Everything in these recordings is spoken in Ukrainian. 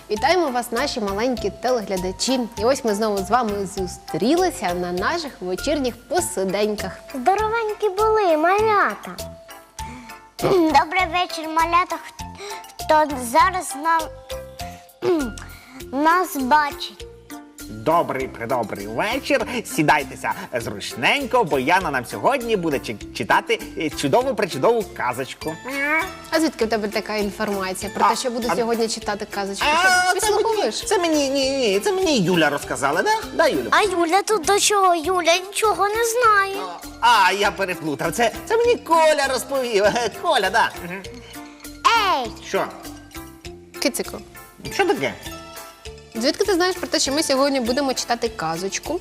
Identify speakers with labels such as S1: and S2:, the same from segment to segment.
S1: Вітаємо вас, наші маленькі телеглядачі. І ось ми знову з вами зустрілися на наших вечірніх посиденьках.
S2: Здоровенькі були, малята. Добрий вечір, малята, хто зараз нас бачить.
S3: Добрий вечір. Сідайтеся зручненько, бо Яна нам сьогодні буде читати чудову-пречудову казочку.
S1: А звідки в тебе така інформація про те, що буду сьогодні читати казочку? Що, підслуховуєш?
S3: Це мені Юля розказала, да? Да, Юлю?
S2: А Юля тут до чого? Юля нічого не знає.
S3: А, я переплутав. Це мені Коля розповів. Коля, да.
S2: Ей!
S3: Що?
S1: Кицику,
S3: Що таке?
S1: звідки ти знаєш про те, що ми сьогодні будемо читати казочку?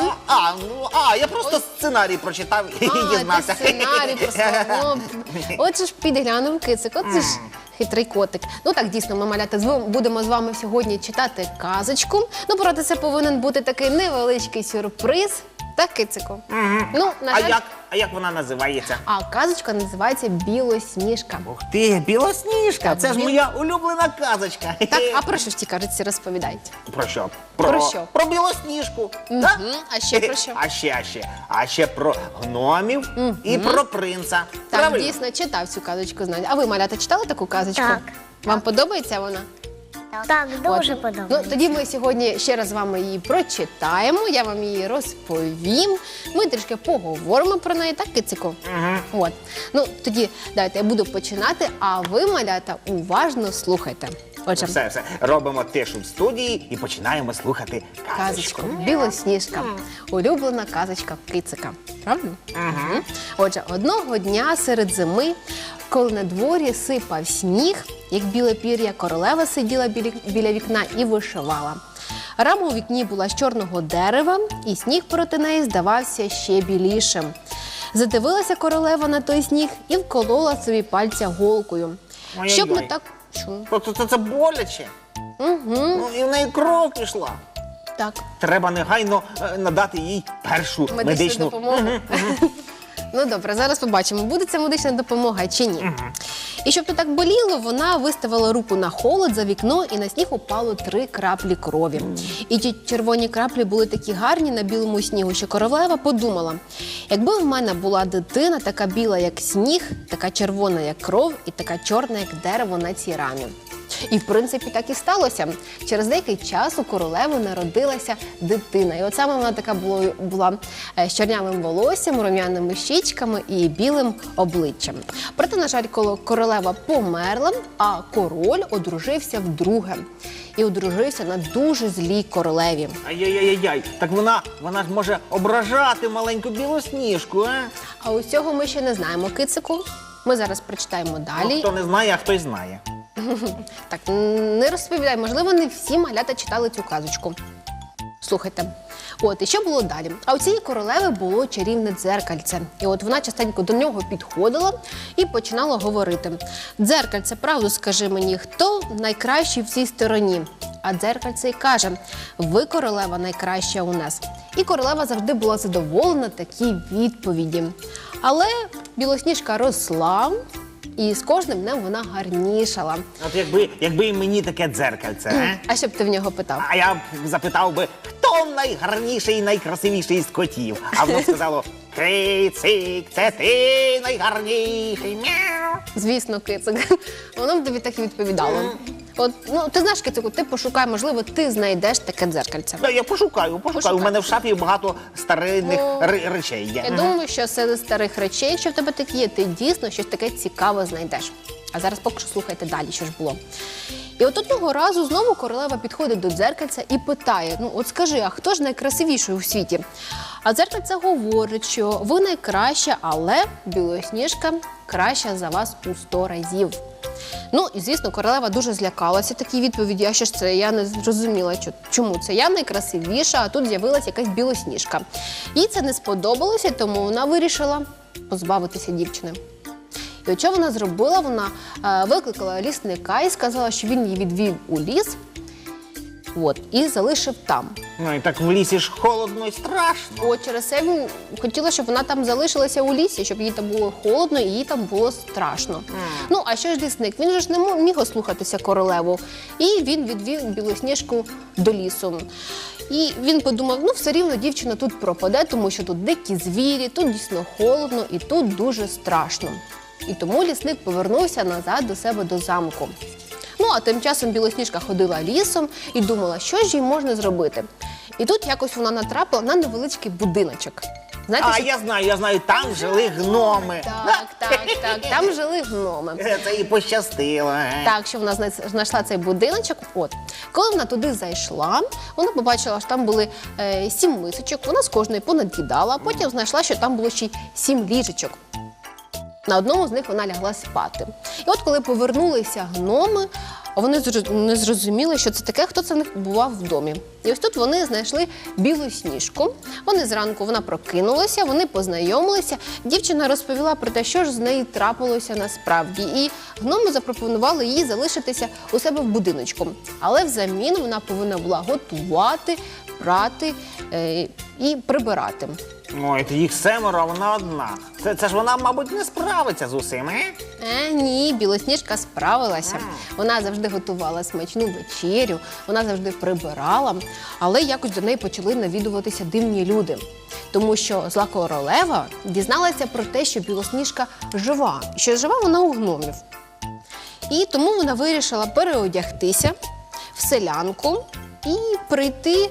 S3: Я просто сценарій прочитав і дізнався.
S1: Ти сценарій послухав. Отже ж, підглянув Кицик, от це ж хитрий котик. Ну так, дійсно, ми, малята, будемо з вами сьогодні читати казочку. Ну, проте це повинен бути такий невеличкий сюрприз. Так, Кицику? Ну, на жаль...
S3: А як вона називається?
S1: А казочка називається «Білосніжка».
S3: Ух ти, Білосніжка!
S1: Так,
S3: Це ж моя улюблена казочка.
S1: Так, а про що ж ті казочці розповідають?
S3: Про що?
S1: Про що?
S3: Про Білосніжку. Так?
S1: А ще про що?
S3: А ще про гномів і про принца.
S1: Так,
S3: Правильно?
S1: дійсно, читав цю казочку, знаєте. А ви, малята, читали таку казочку?
S2: Так.
S1: Вам подобається вона?
S2: Так, дуже
S1: От.
S2: подобається.
S1: Ну, тоді ми сьогодні ще раз з вами її прочитаємо, я вам її розповім. Ми трішки поговоримо про неї, так, Кицику? От. Ну, тоді давайте я буду починати, а ви, малята, уважно слухайте. Отже,
S3: Все. Робимо тишу в студії і починаємо слухати
S1: казочку.
S3: казочку.
S1: Білосніжка. Улюблена казочка Кицика. Правда? Отже, одного дня серед зими, коли на дворі сипав сніг, як біле пір'я, королева сиділа біля вікна і вишивала. Рама у вікні була з чорного дерева, і сніг проти неї здавався ще білішим. Задивилася королева на той сніг і вколола собі пальця голкою.
S3: Ой-ой-ой.
S1: Щоб не так... Що?
S3: Це боляче. Ну, і в неї кров пішла.
S1: Так.
S3: Треба негайно надати їй першу медичну
S1: допомогу. Ну добре, зараз побачимо, буде ця медична допомога чи ні. І щоб то так боліло, вона виставила руку на холод за вікно, і на сніг упало 3 краплі крові. І ті червоні краплі були такі гарні на білому снігу, що королева подумала, якби в мене була дитина така біла, як сніг, така червона, як кров, і така чорна, як дерево на цій рамі. І, в принципі, так і сталося. Через деякий час у королеви народилася дитина. І от саме вона така була з чорнявим волоссям, рум'яними щічками і білим обличчям. Проте, на жаль, коли королева померла, а король одружився вдруге. І одружився на дуже злій королеві.
S3: Ай-яй-яй-яй, так вона ж може ображати маленьку Білосніжку, а?
S1: А ось цього ми ще не знаємо, Кицику. Ми зараз прочитаємо далі.
S3: Ну, хто не знає, а хтось знає.
S1: Так, не розповідай, можливо, не всі малята читали цю казочку. Слухайте. От, і що було далі? А у цієї королеви було чарівне дзеркальце. І от вона частенько до нього підходила і починала говорити. «Дзеркальце, правду скажи мені, хто найкращий в цій стороні?» А дзеркальце й каже, ви, королева, найкраща у нас. І королева завжди була задоволена такій відповіді. Але Білосніжка росла, і з кожним днем вона гарнішала.
S3: От якби і мені таке дзеркальце, а?
S1: А що б ти в нього питав?
S3: А я б запитав би, хто найгарніший і найкрасивіший з котів? А воно сказало, Кицик, це ти найгарніший. Мяу.
S1: Звісно, Кицик. Воно б тобі так і відповідало. От, ну, ти знаєш, Кицику, ти пошукай, можливо, ти знайдеш таке дзеркальце.
S3: Да, я пошукаю. У мене в шафі багато старинних
S1: Ну,
S3: речей є.
S1: Я думаю, що серед старих речей, якщо в тебе такі є, ти дійсно щось таке цікаве знайдеш. А зараз поки що слухайте далі, що ж було. І от одного разу знову королева підходить до дзеркальця і питає, ну от скажи, а хто ж найкрасивіший у світі? А дзеркальце говорить, що ви найкраща, але Білосніжка краща за вас у 100 разів. Ну, і, звісно, королева дуже злякалася такій відповіді, а що ж це, я не зрозуміла, чому це я найкрасивіша, а тут з'явилася якась Білосніжка. Їй це не сподобалося, тому вона вирішила позбавитися дівчини. І от що вона зробила? Вона викликала лісника і сказала, що він її відвів у ліс От, і залишив там.
S3: Ну і так в лісі ж холодно і страшно.
S1: От через це він хотіла, щоб вона там залишилася у лісі, щоб їй там було холодно і їй там було страшно. Ну, а що ж лісник? Він же ж не міг ослухатися королеву. І він відвів Білосніжку до лісу. І він подумав, ну все рівно дівчина тут пропаде, тому що тут дикі звірі, тут дійсно холодно і тут дуже страшно. І тому лісник повернувся назад до себе до замку. Ну, а тим часом Білосніжка ходила лісом і думала, що ж їй можна зробити. І тут якось вона натрапила на невеличкий будиночок. Знаєте,
S3: А
S1: що...
S3: я знаю, там жили гноми.
S1: Так, там жили гноми.
S3: Це їй пощастило.
S1: Так, що вона знайшла цей будиночок. От. Коли вона туди зайшла, вона побачила, що там були 7 мисочок, вона з кожної понад'їдала, а потім знайшла, що там було ще й 7 ліжечок. На одному з них вона лягла спати. І от коли повернулися гноми, вони не зрозуміли, що це таке, хто це в них бував в домі. І ось тут вони знайшли Білосніжку. Вони зранку, вона прокинулася, вони познайомилися. Дівчина розповіла про те, що ж з нею трапилося насправді. І гноми запропонували їй залишитися у себе в будиночку. Але взамін вона повинна була готувати, прати і прибирати.
S3: Ой, їх 7, а вона одна. Це ж вона, мабуть, не справиться з усім,
S1: Ні, Білосніжка справилася. Вона завжди готувала смачну вечерю, вона завжди прибирала, але якось до неї почали навідуватися дивні люди. Тому що зла королева дізналася про те, що Білосніжка жива, що жива вона у гномів. І тому вона вирішила переодягтися в селянку і прийти,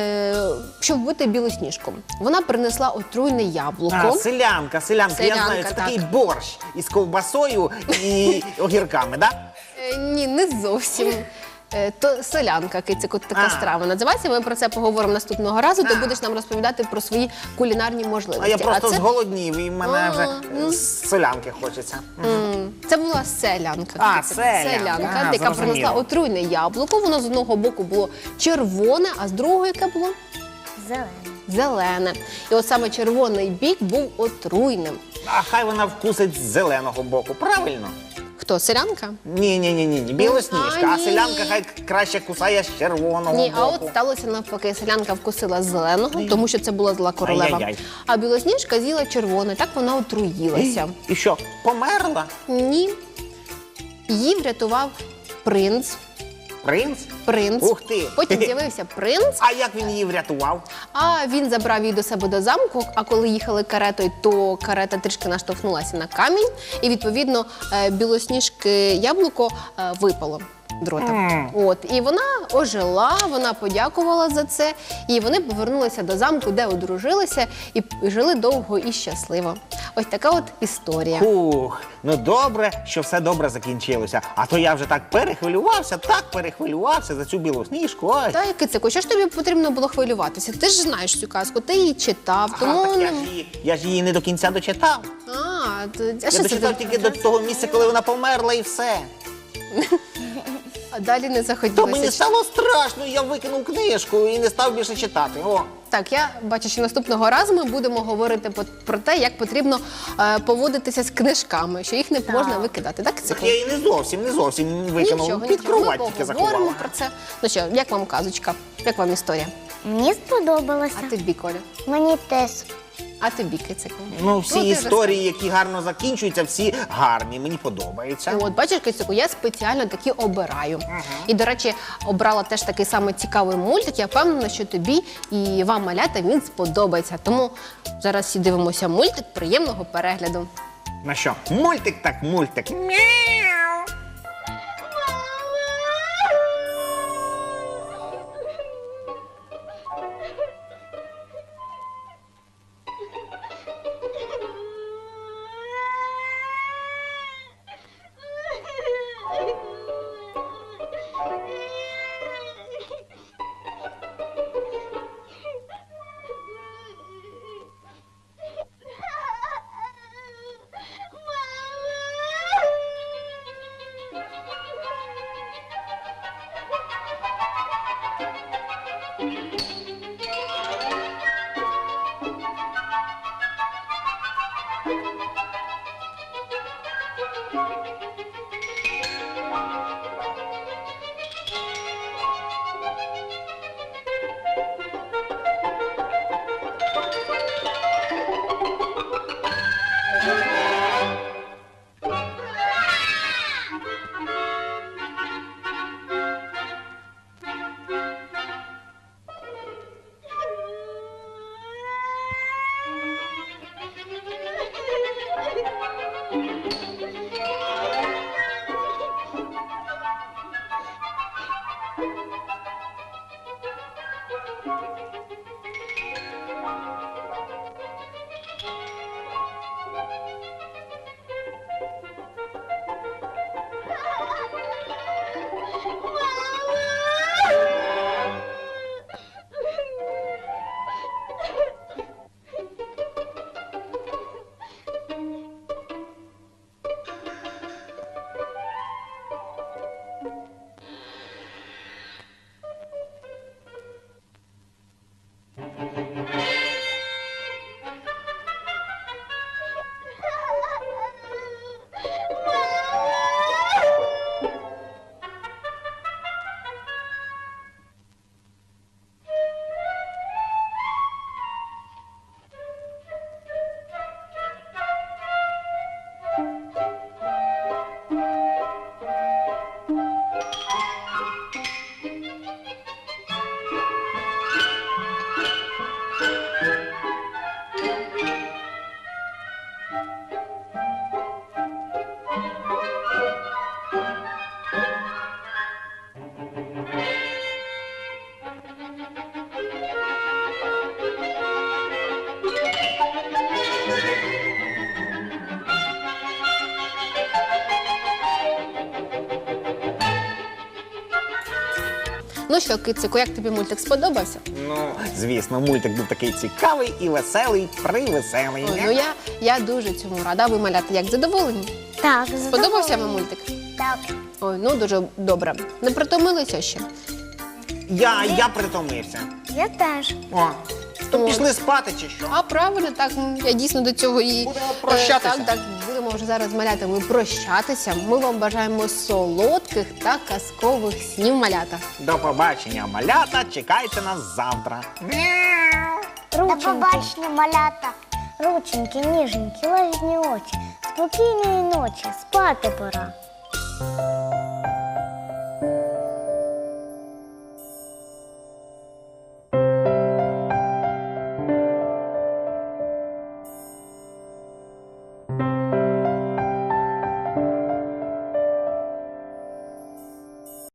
S1: щоб вбити Білосніжку. Вона принесла отруйне яблуко.
S3: Селянка, я знаю, це такий борщ із ковбасою і огірками, так?
S1: Ні, не зовсім. То селянка, кицику, така страва називається. Ми про це поговоримо наступного разу. Ти будеш нам розповідати про свої кулінарні можливості.
S3: А я просто зголоднів, і мене вже з селянки хочеться.
S1: Це була селянка. Селянка, яка принесла отруйне яблуко. Воно з одного боку було червоне, а з другого яке було? Зелене. І от саме червоний бік був отруйним.
S3: А хай вона вкусить з зеленого боку, правильно?
S1: Хто, селянка?
S3: Ні, Білосніжка, а
S1: ні.
S3: селянка хай краще кусає з червоного
S1: Ні, а
S3: боку.
S1: от сталося навпаки. Селянка вкусила зеленого, тому що це була зла королева.
S3: Ай-яй-яй.
S1: А Білосніжка з'їла червоне, так вона отруїлася.
S3: І що, померла?
S1: Ні. Її врятував принц.
S3: Принц? Ух ти!
S1: Потім з'явився принц,
S3: А як він її врятував?
S1: а він забрав її до себе до замку, а коли їхали каретою, то карета трішки наштовхнулася на камінь, і, відповідно, Білосніжки яблуко випало дрота. От, і вона ожила, вона подякувала за це, і вони повернулися до замку, де одружилися, і жили довго і щасливо. Ось така от історія.
S3: Фух, ну добре, що все добре закінчилося. А то я вже так перехвилювався за цю Білосніжку. Ой.
S1: Та, Кицику, що ж тобі потрібно було хвилюватися? Ти ж знаєш цю казку, ти її читав, тому...
S3: Так я ж її не до кінця дочитав.
S1: А
S3: Я
S1: що це
S3: дочитав тільки до того місця, коли вона померла, і все.
S1: А далі не
S3: То
S1: захотілося.
S3: мені стало страшно, я викинув книжку і не став більше читати. О.
S1: Так, я бачу, що наступного разу ми будемо говорити про те, як потрібно поводитися з книжками, що їх не можна викидати. Так,
S3: Так
S1: Кицику?
S3: я її не зовсім викинув. Під кровать тільки
S1: Ми
S3: заховала.
S1: поговоримо про це. Ну що, як вам казочка? Як вам історія?
S2: Мені сподобалося.
S1: А тобі, Коля?
S2: Мені теж.
S1: А тобі, Кицику?
S3: Ну, всі
S1: ти
S3: історії, які гарно закінчуються, всі гарні. Мені подобається.
S1: От, бачиш, Кицику, я спеціально такі обираю. І, до речі, обрала теж такий самий цікавий мультик. Я впевнена, що тобі і вам, малята, він сподобається. Тому зараз всі дивимося мультик. Приємного перегляду.
S3: На що? Мультик так мультик. Мяу.
S1: Ну що, кицику, як тобі мультик сподобався?
S3: Ну, звісно, мультик був такий цікавий і веселий, привеселий.
S1: Ой, ну я дуже цьому рада. Ви, малята, як задоволені?
S2: Так,
S1: Сподобався вам мультик?
S2: Так.
S1: Ой, ну дуже добре. Не притомилися ще?
S3: Я притомився.
S2: Я теж.
S3: О, то
S1: О.
S3: пішли спати чи що?
S1: А правильно, так, я дійсно до цього і...
S3: Будемо прощатися.
S1: Так, будемо вже зараз з малятами прощатися. Ми вам бажаємо солодких та казкових снів, малята.
S3: До побачення, малята, чекайте нас завтра.
S2: До побачення, малята. Рученьки, ніженькі, лагідні очі. Спокійної ночі, спати пора.